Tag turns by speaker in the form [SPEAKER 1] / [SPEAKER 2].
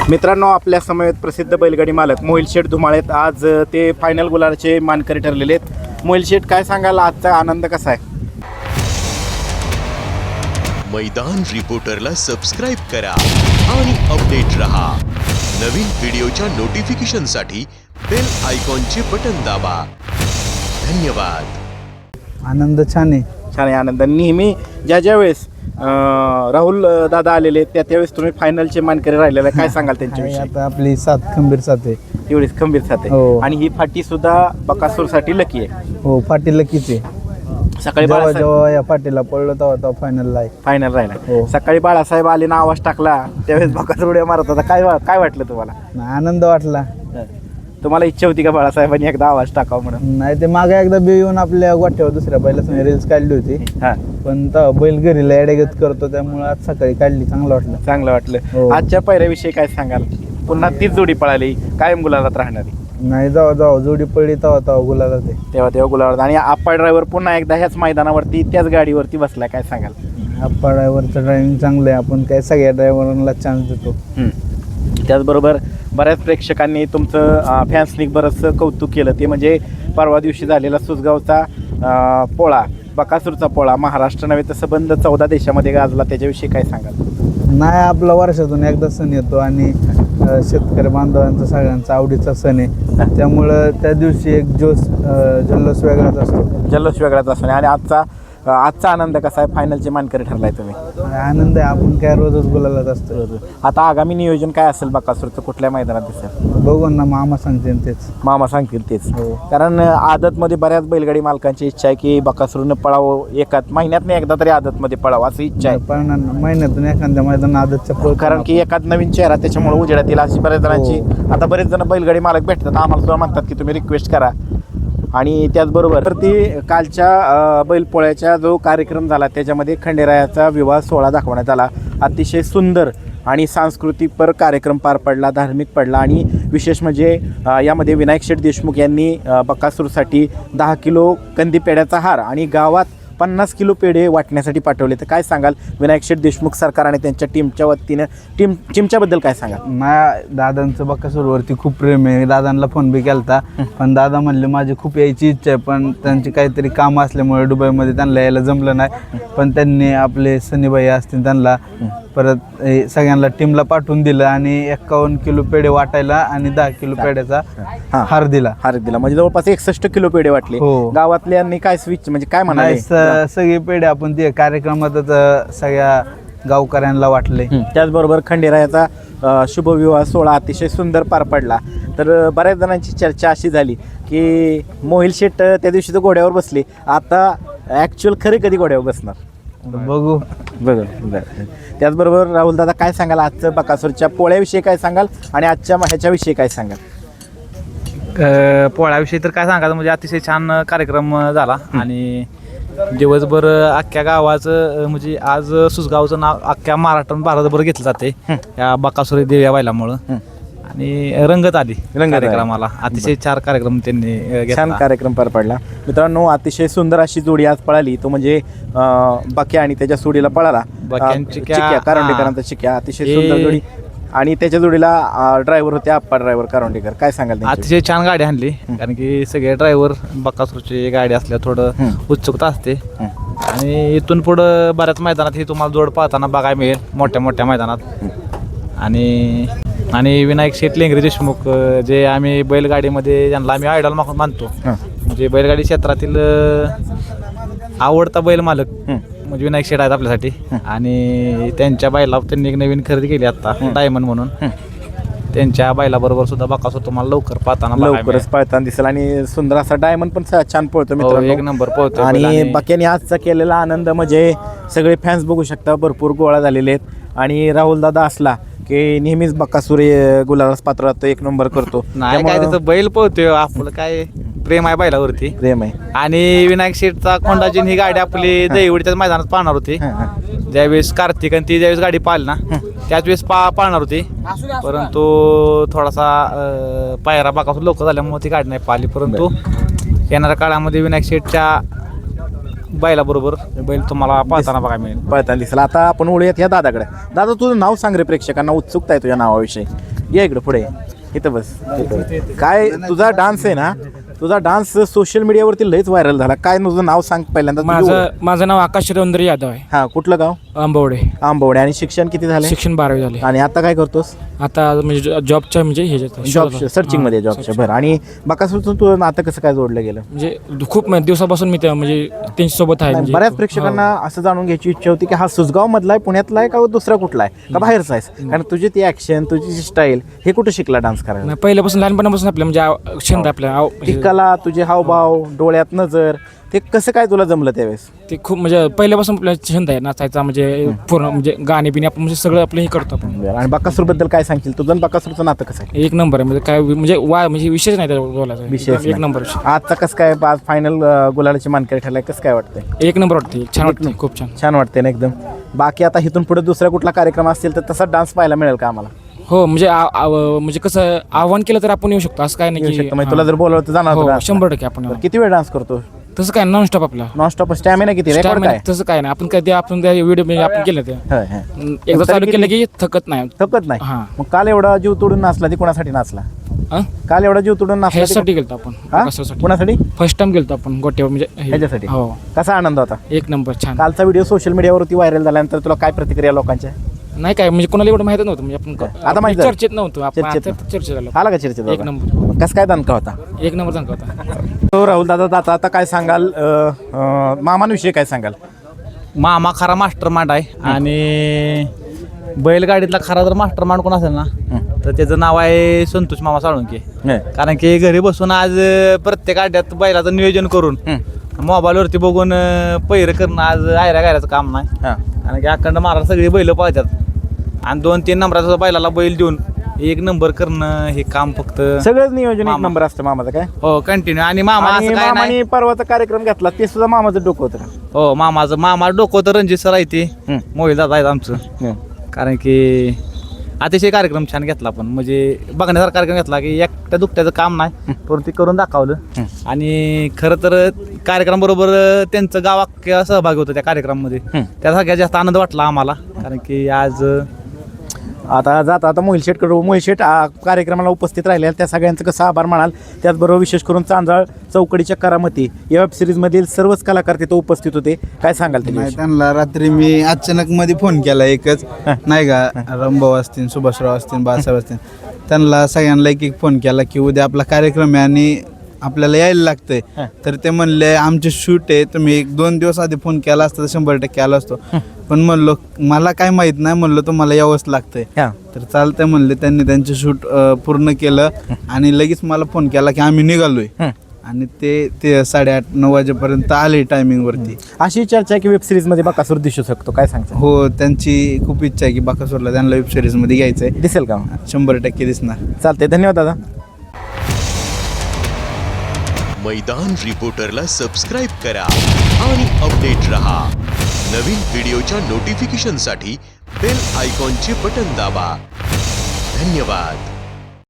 [SPEAKER 1] मित्रांनो, आपल्या समवेत प्रसिद्ध बैलगाडी मालक मोहिल शेठ धुमाळेत. आज ते फायनल गुलालाचे मानकरी ठरलेले आहेत. मोहिल शेठ, काय सांगाल, आजचा आनंद कसा आहे?
[SPEAKER 2] मैदान रिपोर्टरला सबस्क्राइब करा आणि अपडेट रहा. नवीन व्हिडिओच्या नोटिफिकेशनसाठी बेल आयकॉनचे बटन दाबा. धन्यवाद.
[SPEAKER 3] आनंद छान आहे.
[SPEAKER 1] छान आहे आनंद. नेहमी ज्या वेळेस राहुल दादा आलेले त्यावेळेस तुम्ही फायनलचे मानकरी राहिलेला, काय सांगाल त्यांच्याविषयी?
[SPEAKER 3] आता आपली सात खंबीर साथ आहे.
[SPEAKER 1] एवढीच खंबीर साथ आहे.
[SPEAKER 3] हो.
[SPEAKER 1] आणि ही फाटी सुद्धा बकासूरसाठी लकी आहे.
[SPEAKER 3] हो, पाटील लकीचे.
[SPEAKER 1] सकाळी
[SPEAKER 3] जेव्हा जेव्हा या पाटीला पडलो तेव्हा फायनलला आहे.
[SPEAKER 1] फायनल राहिला.
[SPEAKER 3] हो.
[SPEAKER 1] सकाळी बाळासाहेब आले ना, आवाज टाकला त्यावेळेस बकासूर उड्या मारत होता. काय वाटलं तुम्हाला?
[SPEAKER 3] आनंद वाटला.
[SPEAKER 1] तुम्हाला इच्छा होती का बाळासाहेबांनी एकदा आवाज टाकावा म्हणून?
[SPEAKER 3] नाही, ते मागे एकदा बी येऊन आपल्या गोठ्यावर दुसऱ्या बैलासमोर रील्स काढली होती.
[SPEAKER 1] हा,
[SPEAKER 3] पण तेव्हा बैल घरीला एडेगत करतो, त्यामुळे आज सकाळी काढली. चांगलं वाटलं.
[SPEAKER 1] चांगलं वाटलं.
[SPEAKER 3] हो.
[SPEAKER 1] आजच्या पायऱ्याविषयी काय सांगाल? पुन्हा तीच जोडी पळाली, कायम गुलालात राहणारी.
[SPEAKER 3] नाही, जाऊ जोडी पडली तेव्हा गुलाला ते
[SPEAKER 1] तेव्हा गुलाबात. आणि आप्पा ड्रायव्हर पुन्हा एकदा ह्याच मैदानावरती त्याच गाडीवरती बसलाय, काय सांगाल?
[SPEAKER 3] आप्पा ड्रायव्हरचं ड्रायव्हिंग चांगलं आहे. आपण काय सगळ्या ड्रायव्हरांना चान्स देतो.
[SPEAKER 1] त्याचबरोबर बऱ्याच प्रेक्षकांनी तुमचं फॅन्सनी बरंचसं कौतुक केलं. ते म्हणजे परवा दिवशी झालेला सुसगावचा पोळा, बकासूरचा पोळा, महाराष्ट्र नव्हे तर संबंध 14 देशामध्ये गाजला. त्याच्याविषयी काय सांगाल?
[SPEAKER 3] नाही, आपला वर्षातून एकदा सण येतो आणि शेतकरी बांधवांचा सगळ्यांचा आवडीचा सण आहे. त्यामुळं त्या दिवशी एक जल्लोष वेगळाच असतो.
[SPEAKER 1] जल्लोष वेगळाच असतो. आणि आजचा आनंद कसा आहे? फायनलचे मानकरी ठरलाय तुम्ही.
[SPEAKER 3] आनंद आहे. आपण काय रोजच बोलायलाच असतो.
[SPEAKER 1] आता आगामी नियोजन काय असेल बकासूरचं? कुठल्या मैदानात दिसेल?
[SPEAKER 3] बघू ना, मामा सांगते तेच.
[SPEAKER 1] मामा सांगतील तेच.
[SPEAKER 3] हो.
[SPEAKER 1] कारण आदतमध्ये बऱ्याच बैलगाडी मालकांची इच्छा आहे की बकासूरनं पळावं, एकात महिन्यात एकदा तरी आदतमध्ये पळावं असं इच्छा आहे.
[SPEAKER 3] पण महिन्यातून एखाद्या मैदान आदतच्या
[SPEAKER 1] कारण की एखाद नवीन चेहरा त्याच्यामुळे उजेडात येईल अशी बऱ्याच जणांची. आता बरेच जण बैलगाडी मालक भेटतात, आम्हाला सुद्धा म्हणतात की तुम्ही रिक्वेस्ट करा. आणि त्याचबरोबर ती कालच्या बैलपोळ्याचा जो कार्यक्रम झाला त्याच्यामध्ये खंडेरायाचा विवाह सोहळा दाखवण्यात आला. अतिशय सुंदर आणि सांस्कृतिकपर कार्यक्रम पार पडला, धार्मिक पडला. आणि विशेष म्हणजे यामध्ये विनायक शेठ देशमुख यांनी बकासूरसाठी 10 किलो कंदी पेढ्याचा हार आणि गावात 50 किलो पेढे वाटण्यासाठी पाठवले. तर काय सांगाल विनायक शेठ देशमुख सरकार आणि त्यांच्या टीमच्या वतीनं टीमच्याबद्दल काय सांगाल?
[SPEAKER 3] माझ्या दादांचं बकासूरवरती खूप प्रेम आहे. दादांना फोन बी केलता, पण दादा म्हणले माझी खूप यायची इच्छा आहे, पण त्यांची काहीतरी कामं असल्यामुळे दुबईमध्ये त्यांना यायला जमलं नाही. पण त्यांनी आपले सनीबाई असतील त्यांना परत सगळ्यांना टीमला पाठवून दिलं आणि 51 किलो पेढे वाटायला आणि 10 किलो पेढ्याचा हार दिला.
[SPEAKER 1] म्हणजे जवळपास 61 किलो पेढे वाटले.
[SPEAKER 3] हो.
[SPEAKER 1] गावातल्यांनी काय स्विच म्हणजे काय म्हणाले?
[SPEAKER 3] सगळे पेढे आपण ते कार्यक्रमातच सगळ्या गावकऱ्यांना वाटले.
[SPEAKER 1] त्याचबरोबर खंडेरायाचा शुभविवाह सोहळा अतिशय सुंदर पार पडला. तर बऱ्याच जणांची चर्चा अशी झाली की मोहिल शेठ त्या दिवशी तर घोड्यावर बसले, आता ॲक्च्युअल खरे कधी घोड्यावर बसणार?
[SPEAKER 3] बघू.
[SPEAKER 1] त्याचबरोबर राहुल दादा, काय सांगाल आजचं बकासूरच्या पोळ्याविषयी काय सांगाल आणि आजच्या ह्याच्याविषयी काय सांगाल?
[SPEAKER 4] पोळ्याविषयी तर काय सांगायचं म्हणजे अतिशय छान कार्यक्रम झाला. आणि दिवसभर अख्ख्या गावाचं म्हणजे आज सुसगावचं नाव अख्ख्या महाराष्ट्रात भारतभर घेतलं जाते या बकासूर देव या बैलामुळं. आणि रंगत आली कार्यक्रमाला. अतिशय छान कार्यक्रम त्यांनी
[SPEAKER 1] छान कार्यक्रम पार पडला. मित्रांनो, अतिशय सुंदर अशी जोडी आज पळाली. तो म्हणजे बक्या आणि त्याच्या जोडीला पळाला चिक्या, कारंडेकरांचा चिक्या. अतिशय सुंदर जोडी. आणि त्याच्या जोडीला ड्रायव्हर होते आप्पा ड्रायव्हर कारंडेकर. काय सांगाल?
[SPEAKER 4] अतिशय छान गाडी आणली. कारण की सगळे ड्रायव्हर बकासूरची गाडी असल्या थोडं उत्सुकता असते. आणि इथून पुढं बऱ्याच मैदानात ही तुम्हाला जोड पाहताना बघायला मिळेल, मोठ्या मैदानात. आणि विनायक शेठ लेंगरे देशमुख जे आम्ही बैलगाडीमध्ये ज्यांना आम्ही आयडॉल मानतो, म्हणजे बैलगाडी क्षेत्रातील आवडता बैल मालक म्हणजे विनायक शेठ आहेत आपल्यासाठी. आणि त्यांच्या बैला त्यांनी एक नवीन खरेदी केली आता, डायमंड म्हणून. त्यांच्या बैलाबरोबर सुद्धा बकासूर तुम्हाला लवकरच
[SPEAKER 1] पळताना दिसेल. आणि सुंदर असा डायमंड पण छान पळतो मित्रांनो,
[SPEAKER 4] एक नंबर पळतो.
[SPEAKER 1] आणि बक्याने आजचा केलेला आनंद म्हणजे सगळे फॅन्स बघू शकता, भरपूर गोळा झालेले आहेत. आणि राहुल दादा असला की नेहमीच बकासूर गुलालास पात्र राहतो, एक नंबर करतो.
[SPEAKER 4] नाही काय त्याचं बैल पळतोय, आपलं काय प्रेम आहे बैलावरती,
[SPEAKER 1] प्रेम आहे.
[SPEAKER 4] आणि विनायक शेठचा खोंडाची ही गाडी आपली दहीवडीच्या मैदानात पाहणार होती. ज्यावेळेस कार्तिक आणि ती ज्यावेळेस गाडी पाहिली ना त्याच वेळेस पाळणार होती. परंतु थोडासा पायरा बकासूर लवकर झाल्यामुळे ती गाडी नाही पाहिली. परंतु येणाऱ्या काळामध्ये विनायक शेठच्या बैलाबरोबर बैल तुम्हाला पाळताना बघायला मिळेल,
[SPEAKER 1] पळताना दिसेल. आता आपण वळूयात ह्या दादाकडे. दादा, तुझं नाव सांग रे, प्रेक्षकांना उत्सुकता आहे तुझ्या नावाविषयी. या इकडं पुढे इथं बस. काय तुझा डान्स आहे ना, तुझा डान्स सोशल मीडियावरती लयच व्हायरल झाला. काय तुझं नाव सांग पहिल्यांदा.
[SPEAKER 5] माझं नाव आकाश रवींद्र यादव आहे.
[SPEAKER 1] हा, कुठलं गाव?
[SPEAKER 5] आंबवडे.
[SPEAKER 1] आंबवडे. आणि शिक्षण किती झालं?
[SPEAKER 5] शिक्षण 12वी झाले.
[SPEAKER 1] आणि आता काय करतोस?
[SPEAKER 5] आता म्हणजे जॉबच्या म्हणजे
[SPEAKER 1] जॉब सर्चिंग मध्ये जॉबच्या. बरं. आणि बकासूरचं तू आता कसं काय जोडलं गेलं?
[SPEAKER 5] म्हणजे खूप दिवसापासून मी म्हणजे त्यांच्यासोबत आहे. म्हणजे
[SPEAKER 1] बऱ्याच प्रेक्षकांना असं जाणून घ्यायची इच्छा होती की हा सुसगाव मधला आहे, पुण्यातला आहे का दुसरा कुठला आहे का बाहेरचा आहे? कारण तुझी ती ऍक्शन, तुझी जी स्टाईल, हे कुठं शिकला डान्स करायला?
[SPEAKER 5] नाही, पहिल्यापासून लहानपणापासून आपल्या म्हणजे छंद आपल्या
[SPEAKER 1] ती कला, तुझे हावभाव, डोळ्यात नजर, ते कसं काय तुला जमलं त्यावेळेस?
[SPEAKER 5] ते खूप म्हणजे पहिल्यापासून आपल्या छंद आहे नाचायचा. म्हणजे पूर्ण म्हणजे गाणे बिणे आपण म्हणजे सगळं आपलं हे करतो आपण.
[SPEAKER 1] आणि बकासूर बद्दल काय सांगशील? तुझं आणि बकासूरचं नातं कसं आहे?
[SPEAKER 5] एक नंबर आहे. म्हणजे काय म्हणजे म्हणजे विषयच नाही त्याला बोलायचा.
[SPEAKER 1] विशेष
[SPEAKER 5] एक नंबर विषय.
[SPEAKER 1] आजचा कसं काय आज फायनल गुलालाची मानकरी ठरलाय, कसं काय वाटतंय?
[SPEAKER 5] एक नंबर वाटते. छान वाटते. खूप छान.
[SPEAKER 1] छान वाटते ना एकदम. बाकी आता इथून पुढे दुसरा कुठला कार्यक्रम असतील तर तसा डान्स पाहायला मिळेल का आम्हाला?
[SPEAKER 5] हो म्हणजे म्हणजे कसं आव्हान केलं तर आपण येऊ शकतो असं काय नाही की
[SPEAKER 1] म्हणजे तुला जर बोलवलं तर जाणार
[SPEAKER 5] हो,
[SPEAKER 1] होतं dance ला?
[SPEAKER 5] 100% आपण
[SPEAKER 1] बरं, किती वेळ डान्स करतो?
[SPEAKER 5] तसं काय नॉनस्टॉप आपला
[SPEAKER 1] नॉनस्टॉप स्टॅमिना किती? रेकॉर्ड काय?
[SPEAKER 5] तसं काय नाही. आपण कधी आपण त्या व्हिडिओ आपण केलं ते
[SPEAKER 1] होय, होय.
[SPEAKER 5] एकदा चालू
[SPEAKER 1] तरी
[SPEAKER 5] केलं
[SPEAKER 1] किती?
[SPEAKER 5] की थकत नाही.
[SPEAKER 1] थकत नाही.
[SPEAKER 5] हां.
[SPEAKER 1] मग काल एवढा जीव तोडून नाचला ती कोणासाठी नाचला?
[SPEAKER 5] हं?
[SPEAKER 1] काल एवढा जीव तोडून नाचला ती
[SPEAKER 5] ह्यासाठी गेलतो आपण.
[SPEAKER 1] हा?
[SPEAKER 5] कशासाठी?
[SPEAKER 1] कोणासाठी?
[SPEAKER 5] फर्स्ट टाइम गेलतो आपण गोट्यावर म्हणजे
[SPEAKER 1] ह्याच्यासाठी.
[SPEAKER 5] हो.
[SPEAKER 1] कसा आनंद होता?
[SPEAKER 5] एक नंबर छान.
[SPEAKER 1] कालचा व्हिडिओ सोशल मीडियावरती व्हायरल झाल्यानंतर तुला काय प्रतिक्रिया लोकांच्या?
[SPEAKER 5] नाही काय म्हणजे कोणाला एवढं माहित नव्हतं. म्हणजे आपण
[SPEAKER 1] आता माहित झालं?
[SPEAKER 5] चर्चेत नव्हतो आपण.
[SPEAKER 1] चर्चेत
[SPEAKER 5] आता चर्चेत झालो.
[SPEAKER 1] आला का चर्चेत?
[SPEAKER 5] एक नंबर.
[SPEAKER 1] कसं काय दणका होता?
[SPEAKER 5] एक नंबर चांगला होता.
[SPEAKER 1] तो राहुल दादा आता काय सांगाल मामांविषयी काय सांगाल?
[SPEAKER 4] मामा खरा मास्टर मांड आहे. आणि बैलगाडीतला खरा जर मास्टर मांड कोण असेल ना तर त्याचं नाव आहे संतोष मामा साळुंके. कारण की घरी बसून आज प्रत्येक अड्ड्यात बैलाचं नियोजन करून मोबाईलवरती बघून पैर करणं आज आयऱ्या गायऱ्याचं काम नाही. कारण की अखंड महाराज सगळी बैल पाळतात आणि 2-3 नंबराचा बैलाला बैल देऊन 1 नंबर करणं हे काम फक्त
[SPEAKER 1] सगळंच नियोजन 1 नंबर असतं मामाचं काय?
[SPEAKER 4] हो कंटिन्यू. आणि मामा
[SPEAKER 1] आणि
[SPEAKER 4] असं काय नाही.
[SPEAKER 1] मामाने परवाचा कार्यक्रम घेतला ते सुद्धा मामाचं डोकं होतं.
[SPEAKER 4] हो मामा डोकं तर रणजित सर आहे ते मोहित दादा आहेत आमचं. कारण की अतिशय कार्यक्रम छान घेतला आपण. म्हणजे बघण्यासारखा कार्यक्रम घेतला की एकट्या दुकट्याचं काम नाही परंतु ते करून दाखवलं. आणि खरं तर कार्यक्रमाबरोबर त्यांचं गाव अख्ख्या सहभागी होतं त्या कार्यक्रमामध्ये. त्या सगळ्यात जास्त आनंद वाटला आम्हाला. कारण की आज
[SPEAKER 1] आता मोहिल शेठ कार्यक्रमाला उपस्थित राहिले त्या सगळ्यांचं कसं आभार मानाल? त्याचबरोबर विशेष करून चांजाळ चौकडीच्या करामती या वेब सिरीजमधील सर्वच कलाकार तिथं उपस्थित होते. काय सांगाल
[SPEAKER 3] नाही, त्यांना रात्री मी अचानक मध्ये फोन केला एकच, नाही का, रमभाऊ असतील, सुभाषराव असतील, बाळासाहेब असतील, त्यांना सगळ्यांना एक फोन केला की उद्या आपला कार्यक्रम आहे आणि आपल्याला यायला लागतंय. तर ते म्हणले आमचे शूट आहे, तुम्ही 1-2 दिवस आधी फोन केला असता तर 100% आला असतो. पण म्हणलो मला काय माहित नाही, म्हणलं तुम्हाला यावंच लागतंय. तर चालतंय म्हणले. त्यांनी त्यांचे शूट पूर्ण केलं आणि लगेच मला फोन केला की आम्ही निघालोय. आणि ते 8:30-9 वाजेपर्यंत आले टायमिंग वरती.
[SPEAKER 1] अशी चर्चा आहे की वेब सिरीज मध्ये बकासूर दिसू शकतो, काय सांगतो?
[SPEAKER 3] हो, त्यांची खूप इच्छा आहे की बकासूरला त्यांना वेब सिरीज मध्ये घ्यायचंय.
[SPEAKER 1] दिसेल का?
[SPEAKER 3] 100% दिसणार.
[SPEAKER 1] चालतंय, धन्यवाद दादा.
[SPEAKER 2] मैदान रिपोर्टरला सबस्क्राईब करा आणि अपडेट रहा. नवीन व्हिडिओच्या नोटिफिकेशनसाठी बेल आयकॉनचे बटन दाबा. धन्यवाद.